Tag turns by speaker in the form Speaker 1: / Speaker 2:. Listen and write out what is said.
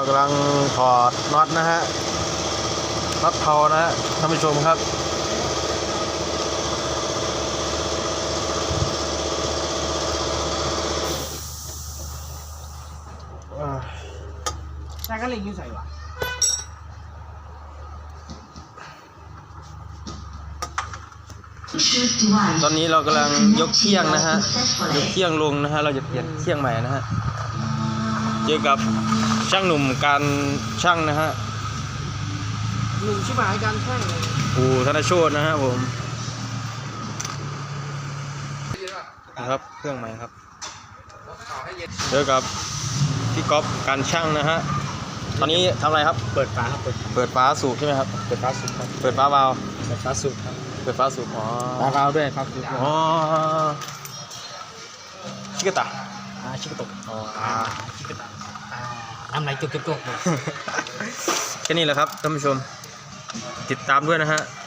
Speaker 1: กำลังถอดน็อตนะฮะน็อตเผานะฮะท่านผู้ชมครับ
Speaker 2: ใช่ก็เล็งอยู่ใส่วะ
Speaker 1: ตอนนี้เรากำลังยกเคี่ยงนะฮะยกเคี่ยงลงนะฮะเราจะเปลี่ยนเคี่ยงใหม่นะฮะเจอกับช่างหนุ่มการช่างนะฮะ
Speaker 2: หนุ่มชิบหายการแข่งเลย
Speaker 1: อู่ธนโชตินะฮะผมนะครับเครื่องใหม่ครับเจอกับพี่ก๊อฟการช่างนะฮะตอนนี้ทำอะไรครับ
Speaker 2: เปิดฝาครับ
Speaker 1: เปิดฝาสูบใช่ไหมครับ
Speaker 2: เปิดฝาสูบครับ
Speaker 1: เปิดฝาวาล์ว
Speaker 2: เปิดฝาสูบครับ
Speaker 1: เปิดฝาสูบอ๋อ
Speaker 2: ฝาวาล์วด้วยครับ
Speaker 1: อ๋อชิกะตะ
Speaker 2: ชิคกตก
Speaker 1: อ๋อ
Speaker 2: ชิคกตะน้ำไหลจุกๆ
Speaker 1: แค่นี้แหละครับท่านผู้ชมติดตามด้วยนะฮะ